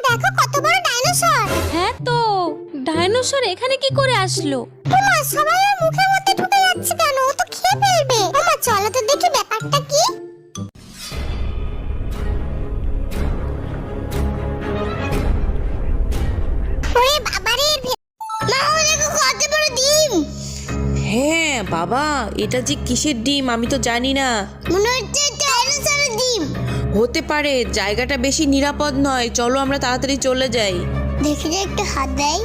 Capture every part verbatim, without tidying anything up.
দেখো কত বড় ডাইনোসর। হ্যাঁ তো ডাইনোসর এখানে কি করে আসলো? ওমা সবাই ওর মুখের মধ্যে ঢুকে যাচ্ছে কেন? ও তো খেয়ে ফেলবে। ওমা চলো তো দেখি ব্যাপারটা কি। ওরে বাবারে, মা ও দেখো কত বড় ডিম। হ্যাঁ বাবা, এটা যে কিসের ডিম আমি তো জানি না। মনে হচ্ছে ডাইনোসরের ডিম। হতে পারে, জায়গাটা বেশি নিরাপদ নয়, চলো আমরা তাড়াতাড়ি চলে যাই। দেখি যে একটু হাত দেয়।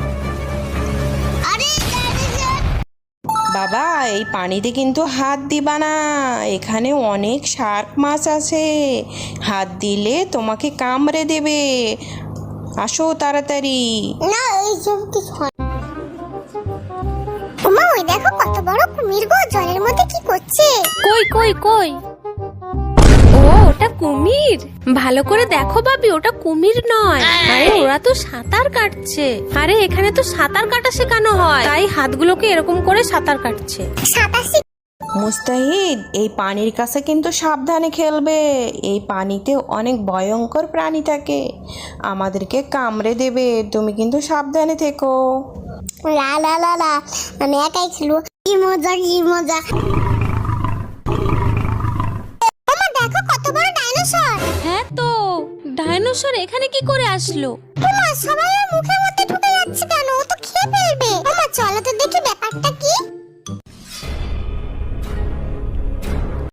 আরে ডাইনোসর। বাবা এই পানিতে কিন্তু হাত দিবা না, এখানে অনেক শার্ক মাছ আছে, হাত দিলে তোমাকে কামড়ে দেবে। আসো তাড়াতাড়ি। না এইসব কিছু হয় না। ওমা ওই দেখো কত বড় কুমির গো, জলের মধ্যে কি করছে? কই কই কই? ও ওটা কুমির। ভালো করে দেখো বাবি, ওটা কুমির নয়। আরে ওরা তো সাঁতার কাটছে। আরে এখানে তো সাঁতার কাটা শেখানো হয়, তাই হাতগুলোকে এরকম করে সাঁতার কাটছে। সাঁতার শিখ- মুস্তাহিদ এই পানির কাছে কিন্তু সাবধানে খেলবে, এই পানিতে অনেক ভয়ঙ্কর প্রাণী থাকে, আমাদেরকে কামড়ে দেবে, তুমি কিন্তু সাবধানে থেকো। লা লা লা লা, আমি একাই খেলবো। কি মজা কি মজা। ওমা দেখো কত বড় ডাইনোসর। হ্যাঁ তো ডাইনোসর এখানে কি করে আসলো? ওমা সবাই ওর মুখের মধ্যে